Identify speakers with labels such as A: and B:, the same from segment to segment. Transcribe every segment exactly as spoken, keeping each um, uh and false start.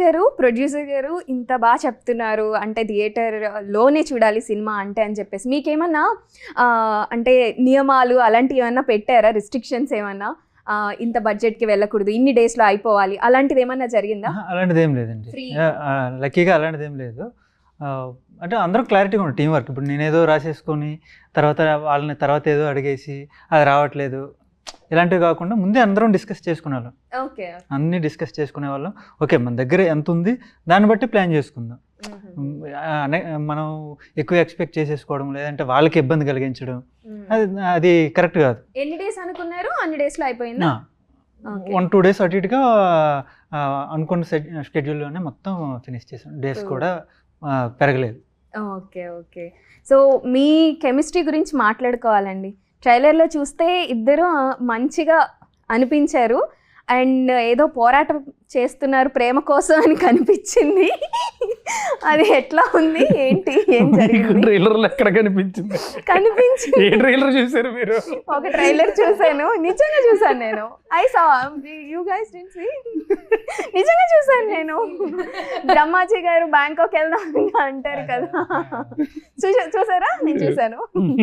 A: గారు, ప్రొడ్యూసర్ గారు ఇంత బాగా చెప్తున్నారు అంటే థియేటర్లోనే చూడాలి సినిమా అంటే అని చెప్పేసి మీకేమన్నా అంటే నియమాలు అలాంటివి ఏమన్నా పెట్టారా, రిస్ట్రిక్షన్స్ ఏమన్నా? ఇంత బడ్జెట్కి వెళ్ళకూడదు, ఇన్ని డేస్లో అయిపోవాలి, అలాంటిది ఏమన్నా జరిగిందా?
B: అలాంటిది ఏం లేదండి, లక్కీగా అలాంటిది ఏం లేదు. అంటే అందరూ క్లారిటీగా ఉంది టీం వర్క్. ఇప్పుడు నేనేదో రాసేసుకొని తర్వాత వాళ్ళని తర్వాత ఏదో అడిగేసి అది రావట్లేదు ఇలాంటివి కాకుండా ముందే అందరం డిస్కస్ చేసుకునేవాళ్ళం.
A: ఓకే,
B: అన్నీ డిస్కస్ చేసుకునే వాళ్ళం. ఓకే మన దగ్గర ఎంత ఉంది దాన్ని బట్టి ప్లాన్ చేసుకుందాం. మనం ఎక్కువ ఎక్స్పెక్ట్ చేసేసుకోవడం లేదంటే వాళ్ళకి ఇబ్బంది కలిగించడం అది అది కరెక్ట్ కాదు.
A: ఎన్ని డేస్ అనుకున్నారు? అన్ని డేస్లో అయిపోయిందా?
B: వన్ టూ డేస్ అటు ఇటుగా అనుకున్న షెడ్యూల్లోనే మొత్తం ఫినిష్ చేసాం. డేస్ కూడా పెరగలేదు.
A: Okay okay. సో మీ కెమిస్ట్రీ గురించి మాట్లాడుకోవాలండి. ట్రైలర్లో చూస్తే ఇద్దరు మంచిగా అనిపించారు అండ్ ఏదో పోరాటం చేస్తున్నారు ప్రేమ కోసం అని కనిపించింది. అది ఎట్లా ఉంది ఏంటి, ఏం జరిగింది?
C: ట్రైలర్లో ఎక్కడ కనిపించింది?
A: కనిపించింది.
C: ఏ ట్రైలర్ చూసారు మీరు?
A: ఒక ట్రైలర్ చూసాను, నిజంగా చూసాను నేను. I saw you guys didn't see. నిజంగా చూసాను నేను. బ్రహ్మాజీ గారు బ్యాంకాక్ వెళ్దాం అంటారు కదా, చూసా చూసారా? నేను చూసాను.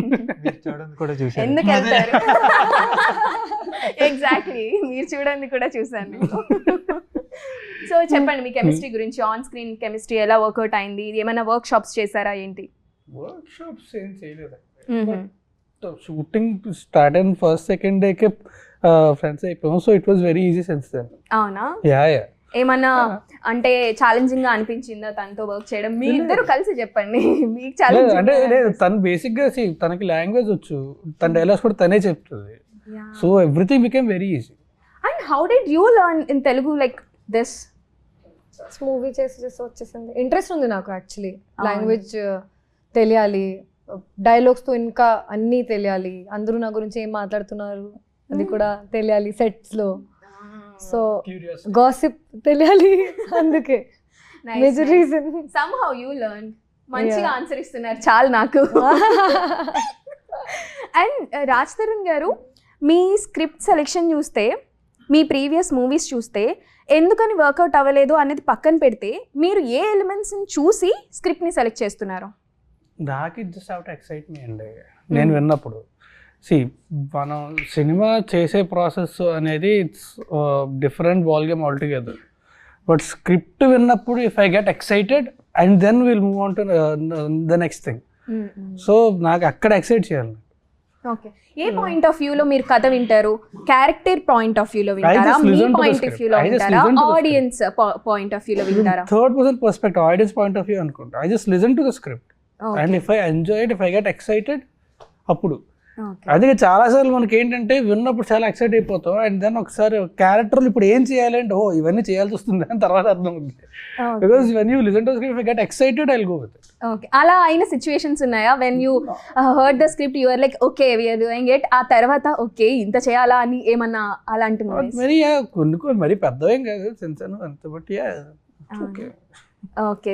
A: ఎందుకు వెళ్తారు? ఎగ్జాక్ట్లీ, మీరు చూడండి కూడా చూసాను నేను. సో చెప్పండి మీ కెమిస్ట్రీ గురించి, ఆన్ స్క్రీన్ కెమిస్ట్రీ ఎలా వర్కౌట్ అయింది? ఏమైనా వర్క్ షాప్స్ చేశారా ఏంటి?
C: వర్క్ షాప్స్ ఏం చేయలేదు. షూటింగ్ స్టార్ట్ అయిన ఫస్ట్ సెకండ్ డేకే ఫ్రెండ్స్ అయిపోయాం. So it was very easy sense then.
A: అవునా?
C: Yeah yeah.
A: ఏమన్నా అంటే ఛాలెంజింగ్ గా అనిపించిందా తనతో వర్క్ చేయడం? మీ ఇద్దరు కలిసి చెప్పండి. మీకు ఛాలెంజ్
C: అంటే లేదు, తను బేసిక్ గా తనకి లాంగ్వేజ్ వచ్చు, తన డైలాగ్స్ కూడా తనే చెప్తుంది. So everything became very easy.
A: And how did you learn in Telugu like this?
D: Movie చేసి చేసి వచ్చేసింది. ఇంట్రెస్ట్ ఉంది నాకు యాక్చువల్లీ, లాంగ్వేజ్ తెలియాలి, డైలాగ్స్తో ఇంకా అన్నీ తెలియాలి, అందరూ నా గురించి ఏం మాట్లాడుతున్నారు అది కూడా తెలియాలి సెట్స్లో. సో గాసిప్ తెలియాలి, అందుకే major reason.
A: somehow you learned. మంచిగా ఆన్సర్ ఇస్తున్నారు చాలు నాకు. అండ్ రాజ్ తరుణ్ గారు, మీ స్క్రిప్ట్ సెలెక్షన్ చూస్తే, మీ ప్రీవియస్ మూవీస్ చూస్తే ఎందుకని వర్కౌట్ అవ్వలేదు అనేది పక్కన పెడితే మీరు ఏ ఎలిమెంట్స్ని చూసి స్క్రిప్ట్ని సెలెక్ట్ చేస్తున్నారు?
C: నాకు it just out excite me అండి. నేను విన్నప్పుడు సి మనం సినిమా చేసే ప్రాసెస్ అనేది it's different ball game altogether. But script విన్నప్పుడు if I get excited and then will move on to the next thing. So నాకు అక్కడ ఎక్సైట్ చేయాలి.
A: ఓకే, ఏ పాయింట్ ఆఫ్ వ్యూలో మీరు కథ వింటారు? క్యారెక్టర్ పాయింట్ ఆఫ్ వ్యూలో వింటారా, మీ పాయింట్ ఆఫ్ వ్యూలో వింటారా, ఆడియన్స్ పాయింట్ ఆఫ్ వ్యూలో వింటారా?
C: Third person perspective, audience point of view అనుకుంటా. I just listen to the script and if I enjoy it, if I get excited అప్పుడు. అందుకే చాలాసార్లు మనకి ఏంటంటే విన్నప్పుడు చాలా ఎక్సైట్ అయిపోతాం అండ్ దెన్ ఒకసారి క్యారెక్టర్లు ఇప్పుడు ఏం చేయాలంటే ఓ ఇవన్నీ చేయాల్సి వస్తుంది అని తర్వాత అర్థం ఉంది. Because when you listen to script, if I get excited I will go with it.
A: Okay, అలా అయిన సిచ్యువేషన్స్ ఉన్నాయా? When you heard the script you are like okay we are doing it, ఆ తర్వాత ఓకే ఇంత చేయాలా అని ఏమన్నా అలాంటి మూవీస్?
C: మరి కొన్ని కొన్ని మరి పెద్దవేం కాదు సెన్స్ అంత బట్టి ఓకే.
A: ఓకే.